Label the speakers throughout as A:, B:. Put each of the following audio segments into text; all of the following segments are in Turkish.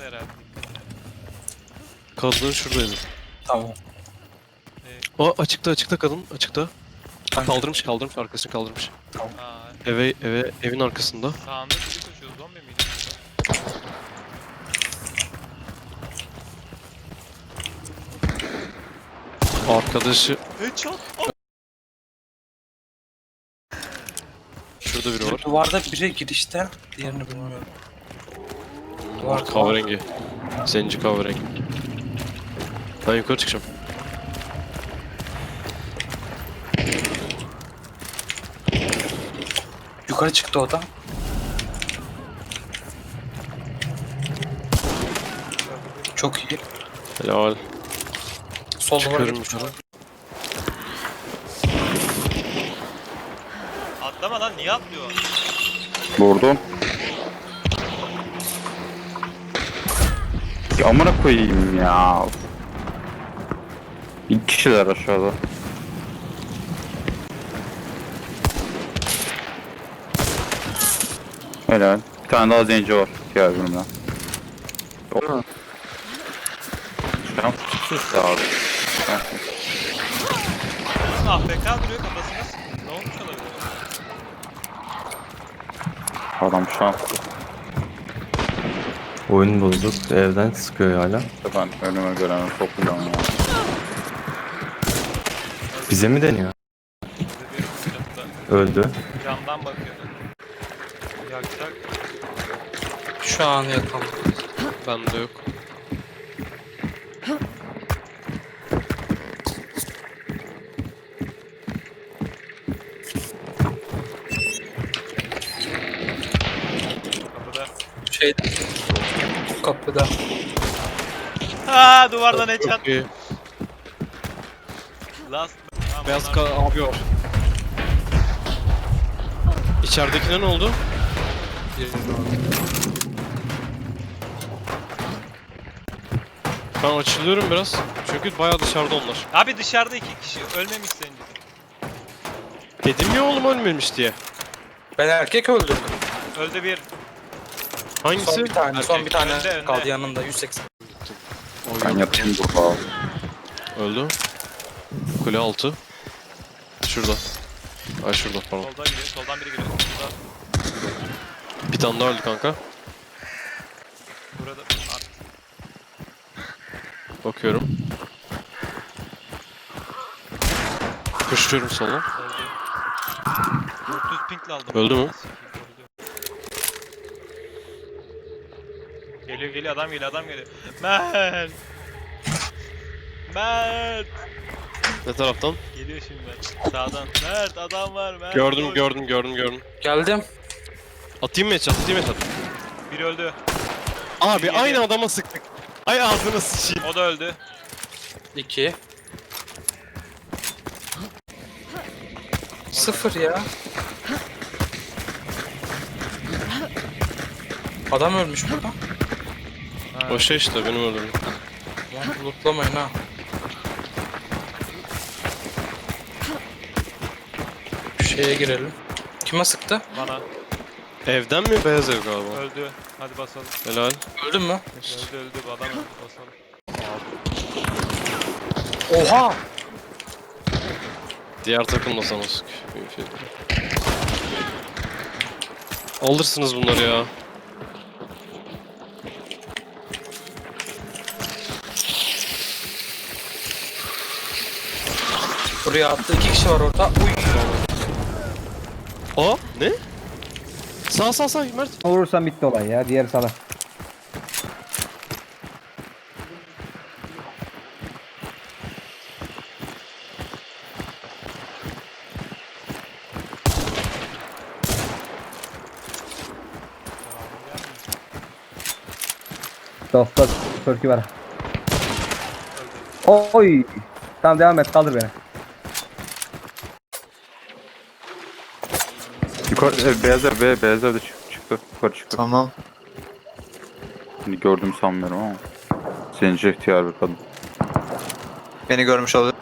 A: Şurada herhalde.
B: Kadın şuradaydı.
C: Tamam.
B: O açıkta kadın açıkta.
C: Hangi?
B: Kaldırmış arkasını kaldırmış.
A: Aa,
B: Evin arkasında.
A: sağında biri koşuyor. Zombi miydi?
B: Arkadaşı
A: Headshot.
B: şurada biri var.
C: Duvarda biri girişte, diğerini bilmiyorum. Duvar
B: Kahverengi. Zenci kahverengi. Ben yukarı çıkacağım.
C: yukarı çıktı o da. Çok iyi.
B: Helal.
C: Sol duvara
B: Çıkıyorum
C: gitmiş.
B: yukarı.
A: Atlama lan, niye atlıyor?
D: Vurdum. Ya amına koyayım ya. İki kişiler aşağıda. Helal. Bir tane daha zenci var. Diğer bölümden. Yok. Şans. Sus ya abi. Şans.
A: AFK duruyor, kafasına sıkıyor. Ne olmuş olabilir?
D: Adam şans.
E: Oyun bozuk. Evden sıkıyor hala.
D: Ben önüme görene sokacağım ya.
E: Bize mi deniyor?
A: Bize bir çatıda
E: Öldü.
A: camdan bakıyordu. Yakacak.
C: Şu an yakaladım.
B: Bende yok.
A: Kapıda.
C: Şeyde. Kapıda.
A: Haa, duvardan headshot.
B: Çok iyi.
A: Last. Tamam,
B: Beyaz
A: onlar-
B: abi var. İçeridekine ne oldu? Ben açılıyorum biraz. Çünkü bayağı dışarıda onlar.
A: Abi dışarıda iki kişi. Ölmemiş sence.
B: Dedim ya oğlum ölmemiş diye.
C: Ben erkek öldürdüm.
A: Öldü bir.
B: Hangisi?
C: Son bir tane, son bir tane
A: Önde.
C: kaldı yanında 180.
D: Ben yatayım burada.
B: Öldü. Kule altı. Şurada. Ay şurada pardon.
A: Soldan giriyor. Soldan biri giriyor.
B: Bir tane daha öldü kanka.
A: Burada.
B: Bakıyorum. Koşuyorum sola.
A: Öldü. 400 pinkle aldım.
B: Öldü mü?
A: Geliyor adam geliyor. Mert. Mert.
B: Ne taraftan?
A: Geliyor şimdi Mert. Sağdan. Mert adam var Mert.
B: Gördüm
A: koş.
B: gördüm.
C: Geldim.
B: Atayım mı headshot?
A: Biri öldü.
B: Abi
A: Yedi.
B: aynı adama sıktık. Ay ağzına sıçayım.
A: O da öldü.
C: 2. 0 ya. Adam ölmüş burada.
A: Ha.
B: O şey işte benim öldürdüm.
C: Lan lootlamayın ha. Şu şeye girelim. Kime sıktı?
A: Bana.
B: Evden mi? Beyaz ev galiba.
A: Öldü. Hadi basalım.
B: Helal.
C: Öldün mü?
A: Öldü bu adam öldü. Basalım.
C: Oha!
B: Diğer takım da sana sık. Alırsınız bunları ya.
C: Buraya attı. 2 kişi var orada. Uy!
B: Aa ne? Sağ Mert.
F: Vurursan bitti olay ya. Diğer sana. Dostlar Türk'ü var. Oy. Tamam devam et. Kaldır beni.
D: Yukarı beyaz evde çıktı. Yukarı çıktı.
G: Tamam.
D: Şimdi gördüm sanmıyorum ama. Zenci ihtiyar bir kadın.
G: Beni görmüş olabilir.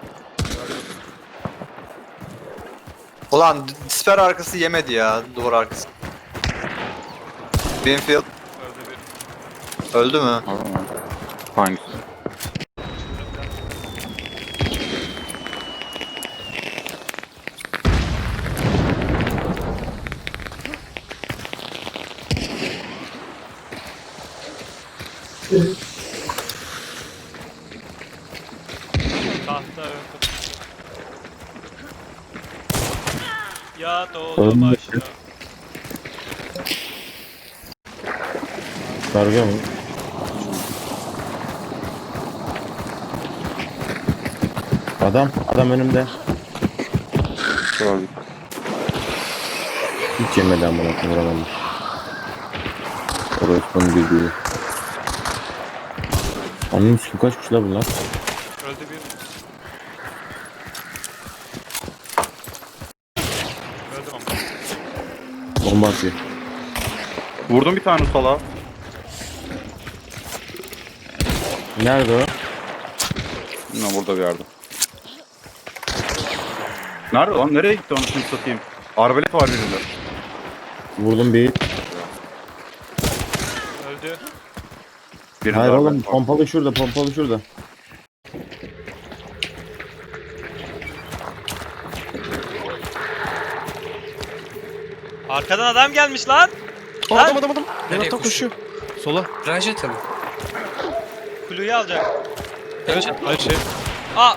G: Ulan siper arkası yemedi ya, duvar arkası. Binfield.
A: Öldü bir.
G: Öldü mü?
D: Aa, hangisi?
A: Tahta öldü. Yat oğlum aşağı.
E: Karga mı? Adam önümde.
D: Şöyle.
E: Hiç yemedi amına koyayım vuramadım. Orası bunun bildiği. Anladın kim kaçmış la bunlar?
A: Öldü bir. Öldüm ama.
E: Bomba atıyor.
D: Vurdum bir tane salağa.
E: Nerede o?
D: Ne burada bir yerde. Nerede lan? Nereye gitti onu şimdi satayım? Arbalet var birinde.
E: Vurdum bir.
A: Öldü.
D: Birinde
E: Hayır
D: arbalet
E: oğlum
D: var.
E: pompalı şurada.
A: Arkadan adam gelmiş lan.
B: Aa,
A: Lan!
B: adam.
C: Nereye
B: Yanaktan koşuyor. Sola.
C: Rajete mi?
A: Kuluyu alacak.
C: Headshot.
B: Hayır şey.
A: Aa!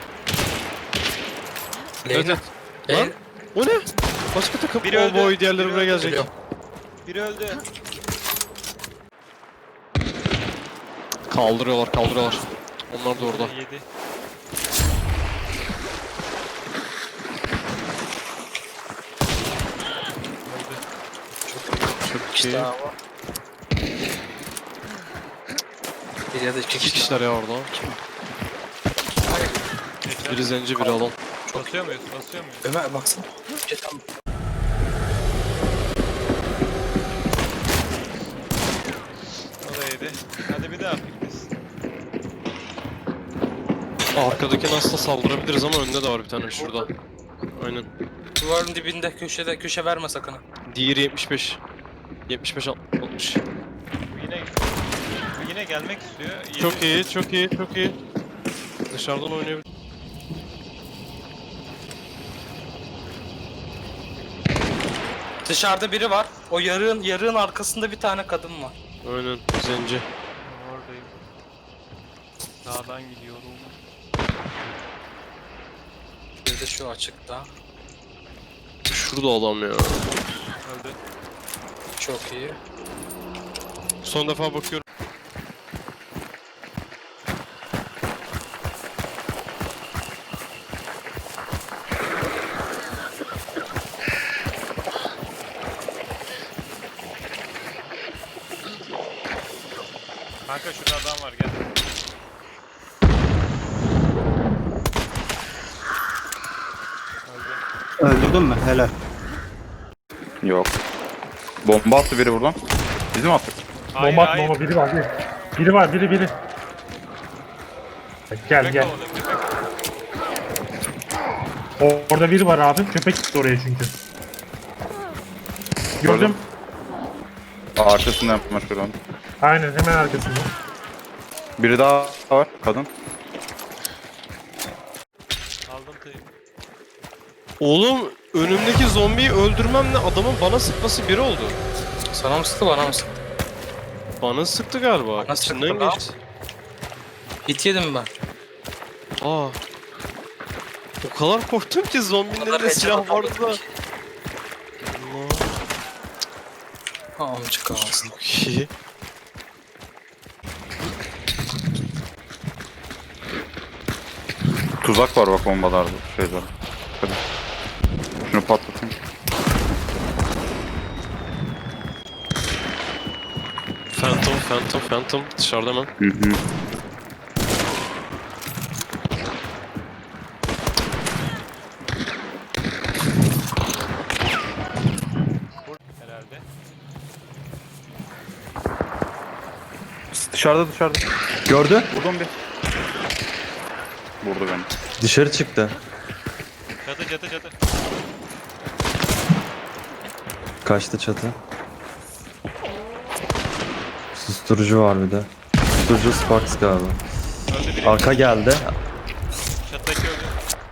B: Evet.
C: Leyla.
B: Lan. O ne? Başka takım.
A: Biri öldü.
B: O boy diğerleri
A: Biri
B: buraya
A: öldü.
B: gelecek.
C: Geliyor.
A: Biri öldü.
B: Kaldırıyorlar. Onlar da orada.
A: Yedi. Öldü.
B: Çok
C: İşte
B: iyi.
C: ama. Bir ya da iki
B: İki
C: kişi.
B: kişiler ya orada. Biri zenci biri alan.
A: Basıyor muyuz? Basıyor muyuz?
C: Ömer baksana. Geçen
A: O da yedi. Hadi bir daha biz.
B: Arkadaki Nas'la saldırabiliriz ama önünde de var bir tane şurada. Aynen.
C: duvarın dibinde köşede köşe verme sakın. ha.
B: Diğeri 75. 75 60.
A: Bu yine gelmek istiyor.
B: Çok iyi. Dışarıdan oynayabilir.
C: Dışarıda biri var. O yarığın arkasında bir tane kadın var.
B: Aynen. Zenci.
A: Oradayım. Sağdan gidiyorum.
C: Bir de şu açıkta.
B: Şurada adam ya.
A: Öldü.
C: Çok iyi.
B: Son defa bakıyorum.
A: Kanka şurada adam var gel. Öldü.
F: Öldürdün mü? Helal.
D: Yok. Bomba attı biri buradan. Bizim attık.
A: Hayır,
H: Bomba
A: hayır.
H: bomba biri var. Biri var biri. Gel
A: Köpek
H: gel.
A: kovalıyor, köpek.
H: Orada biri var abi. Köpek gitti oraya çünkü. Gördüm.
D: Arkasından yapmış şuradan.
H: Aynen hemen arkasında.
D: Biri daha var. Kadın.
A: Aldım teybi.
B: Oğlum önümdeki zombiyi öldürmemle adamın bana sıkması biri oldu.
C: Sana mı sıktı bana mı sıktı?
B: Bana sıktı galiba.
C: Bana
B: İçinden
C: sıktı lan.
B: geçti.
C: Hit yedim ben.
B: Aa. O kadar korktum ki zombinin
C: O kadar
B: elinde silah
C: headshot
B: vardı da.
C: aldım ki. Amcık ağzını.
B: Çok iyi.
D: Tuzak var bak bombalarda şeyler. Hadi. Şunu patlatayım.
B: Phantom dışarıda hemen.
D: Hı hı.
A: Herhalde.
D: Dışarıda.
F: Gördü.
D: Vurdum bir. Vurdu beni.
E: Dışarı çıktı.
A: Çatı.
E: Kaçtı çatı. Susturucu var bir de. Susturucu Sparks galiba.
A: Öldü biri.
E: Arka geldi.
A: Çattaki öldü.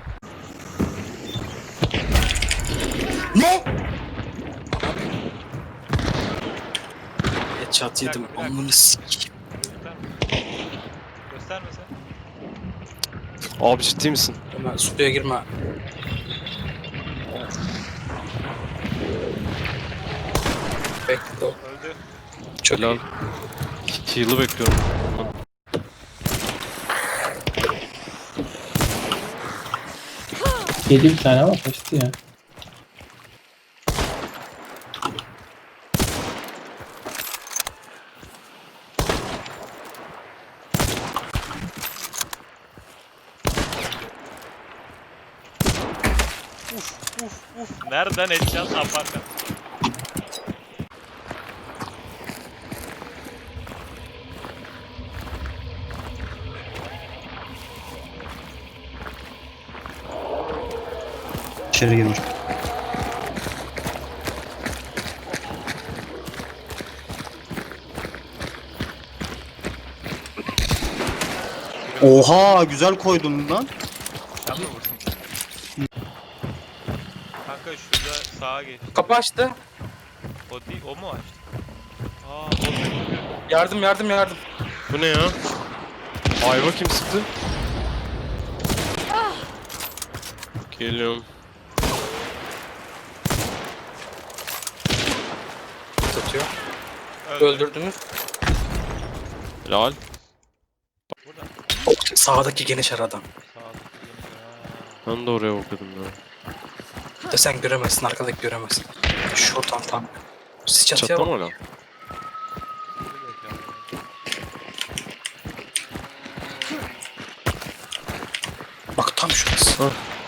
C: Headshot yedim.
A: Bir dakika.
C: Amını sikeyim.
A: Gösterme. Gösterme sen.
B: Abi ciddi misin?
C: Ömer suya girme. Bekle o.
A: Öldü.
C: Çok
B: Helal.
C: iyi.
B: Heal'ı bekliyorum.
I: Yedi bir tane ama kaçtı ya.
A: Nereden edeceğiz aparkat?
E: İçeri girmiş. Oha güzel koydum lan.
A: Sen mi vurdun? Kanka şurada sağa geç.
C: Kapı açtı.
A: O değil, o mu açtı? Aa, o değil.
C: Yardım yardım yardım.
B: Bu ne ya? Ayva kim sıktı? Geliyorum.
C: Tutuyor.
A: Öldü.
C: Öldürdünüz.
B: Helal.
A: Burada.
C: Sağdaki geniş aradan.
A: Sağdaki
B: Ben de oraya bakıyordum ya.
C: De sen göremezsin, arkadaki göremezsin. Şuradan tam. Siz çatıya
B: Çatla
C: bak.
B: mı hala?
C: Bak tam şurası.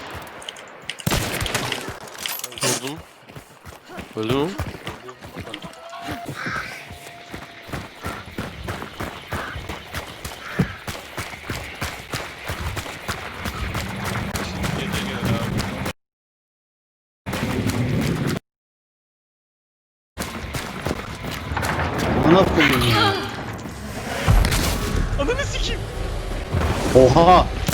B: Vurdum. Öldü mü?
A: Gece gelir abi.
E: Bana koyayım ya.
A: Ananı sikeyim.
E: Oha.